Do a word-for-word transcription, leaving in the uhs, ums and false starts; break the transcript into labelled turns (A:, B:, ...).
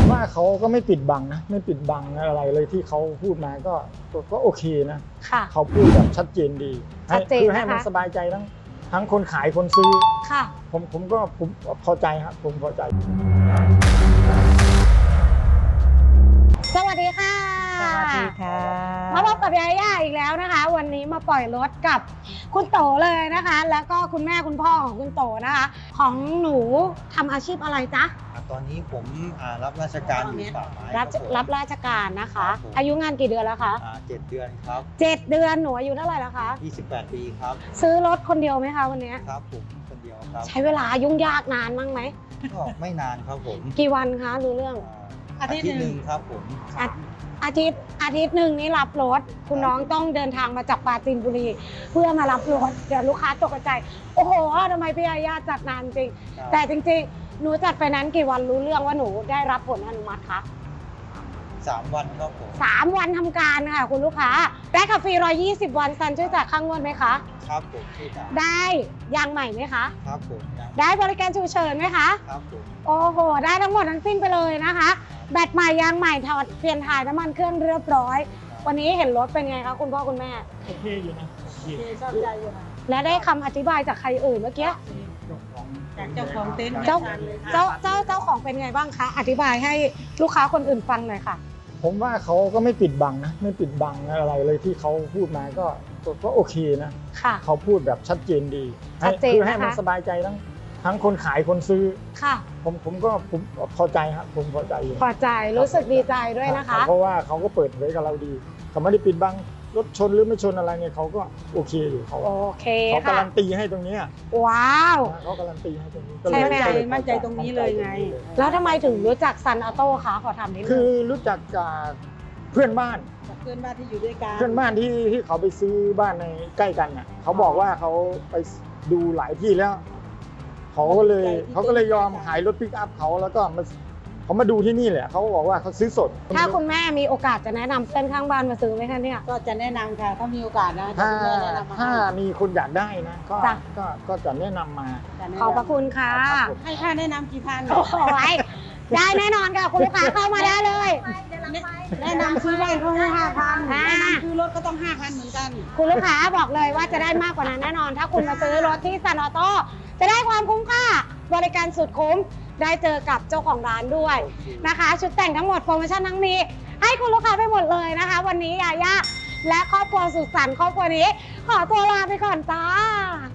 A: ว่าเขาก็ไม่ปิดบังนะไม่ปิดบังอะไรเลยที่เขาพูดมาก็ก็โอเคนะ
B: ค่ะ
A: เขาพูดแบบชัดเจนดี
B: ชัดเจน
A: คือให้มัน
B: นะคะ
A: สบายใจทั้งทั้งคนขายคนซื้อ
B: ค่ะ
A: ผมผมก็ผมพอใจครับผมพอใจ
B: สวัสดีค่ะ
C: สวัสดีค่ะ
B: มาพบกับยาย่าอีกแล้วนะคะ วันนี้มาปล่อยรถกับคุณโตเลยนะคะ แล้วก็คุณแม่คุณพ่อของคุณโตนะคะ ของหนูทำอาชีพอะไรจ๊ะ
D: ตอนนี้ผมรับราชการอยู่ป่าไม้
B: รับ
D: ครับผม
B: รับราชการนะคะ
D: ครับผม
B: อายุงานกี่เดือนแล้วคะ
D: อ่าเจ็ดเดือนครับ
B: เจ็ดเดือนหนูอายุเท่าไหร่แล้วคะ
D: ยี่สิบแปดปีครับ
B: ซื้อรถคนเดียวไหมคะวันนี้
D: ครับผมคนเดียวครับ
B: ใช้เวลายุ่งยากนานมั้งไหม
D: ก็ไม่นานครับผม
B: กี่วันคะรู้เรื่อง
D: อาทิตย์หนึ่งครับผม
B: อาอาทิตย์อาทิตย์หนึ่งนี่รับรถคุณน้องต้องเดินทางมาจากปราจีนบุรี เพื่อมารับรถเดี๋ยวลูกค้าตกใจโอ้โหทำไมพี่ยาย่าจัดนานจริง แต่จริงๆหนูจัดไฟแนนซ์กี่วันรู้เรื่องว่าหนูได้รับผลอนุมัติคะ
D: สามวันครับผม
B: สามวันทำการค่ะคุณลูกค้าได้ขับฟรีหนึ่งร้อยยี่สิบวันซันช่วยจ่ายค่างวดไหมคะ
D: ครับผมที่จ่าย
B: ได้ยางใหม่ไหมคะ
D: ครับผมยัง
B: ได้บริการฉุกเฉินไหมคะ
D: ครับผม
B: โอ้โหได้ทั้งหมดทั้งสิ้นไปเลยนะคะแบตใหม่ยางใหม่ถอดเปลี่ยนถ่ายน้ำมันเครื่องเรียบร้อย วันนี้เห็นรถเป็นไงคะคุณพ่อคุณแม่
A: โอเคอยู่นะโอเค
C: ชอบใจอยู่นะ
B: และได้คำอธิบายจากใครเอ่ยเมื่อกี้
C: จากเจ้าของเต็นท์
B: เจ้า
C: ลยค่ะ
B: เจ้าเจ้าเจ้าของเป็นไงบ้างคะอธิบายให้ลูกค้าคนอื่นฟังหน่อยค่ะ
A: ผมว่าเขาก็ไม่ปิดบังนะไม่ปิดบังอะไรเลยที่เขาพูดมาก็ก็ก็โอเคนะ
B: ค่ะ
A: เขาพูดแบบชัดเจนดี
B: ชัดเจน
A: คือให้มัน
B: นะคะ
A: สบายใจทั้งทั้งคนขายคนซื้อ
B: ค่ะ
A: ผมผมก็ผมพอใจครับผมพอใจอยู่
B: พอใจรู้สึกดีใจด้วยนะคะ
A: เพราะว่าเขาก็เปิดเผยกับเราดีเขาไม่ได้ปิดบังรถชนหรือไม่ชนอะไรเนี่ยเขาก็โอเคอยู่เขา
B: โอเค
A: เขา
B: ค่ะ
A: การันตีให้ตรงเนี้ย
B: ว้าว
A: เขาการันตีให้ตรงนี้
B: ใช่ไหม
A: ก็เลย
C: มั่นใจตรงนี้เลยไง
B: แล้วทำไมถึงรู้จักซันออโต้คะขอถามนิดนึ
A: คื
B: ง
A: อรู้จักจากเพื่อนบ้าน
C: จากเพื่อนบ้านที่อยู่ด้วยกัน
A: เพื่อนบ้านที่ที่เขาไปซื้อบ้านในใกล้กันน่ะเขาบอกว่าเขาไปดูหลายที่แล้วเขาก็เลยเขาก็เลยยอมขายรถปิกอัพเขาแล้วก็มาเขามาดูที่นี่แหละเขาก็บอกว่าเขาซื้อสด
B: ถ้าคุณแม่มีโอกาสจะแนะนำเส้นข้างบ้านมาซื้อไหมคะเนี่ย
C: ก็จะแนะนำค่ะถ้ามีโอกาสนะ
A: ถ้า
C: จะคุณแม่แนะนำมา
A: ถ้า
C: ให้
A: มีคนอยากได้นะก็
B: จ้ะ
A: ก็ก็จะแนะนำมา
C: จะแนนำ
B: ขอบพระคุณค่ะ
A: ครับผม
C: ให้ค่าแนะนำกี่พัน
B: โอ้ยได้แน่นอนค่ะคุณลูกค้าเข้ามาได้เลย
C: แนะนำซื้อบ้านเขาให้ห้าพัน
B: อ่า
C: แนะนำซื้อรถก็ต้องห้าพันเหมือนกัน
B: คุณลูกค้าบอกเลยว่าจะได้มากกว่านั้นแน่นอน ถ้าคุณมาซื้อรถที่ซันออโต้จะได้ความคุ้มค่าบริการสุดคุ้มได้เจอกับเจ้าของร้านด้วยนะคะ ชุดแต่งทั้งหมดโปรโมชั่นทั้งนี้ให้คุณลูกค้าไปหมดเลยนะคะ วันนี้ยาย่าและครอบครัวสุขสันต์ครอบครัวนี้ ขอตัวลาไปก่อนจ้า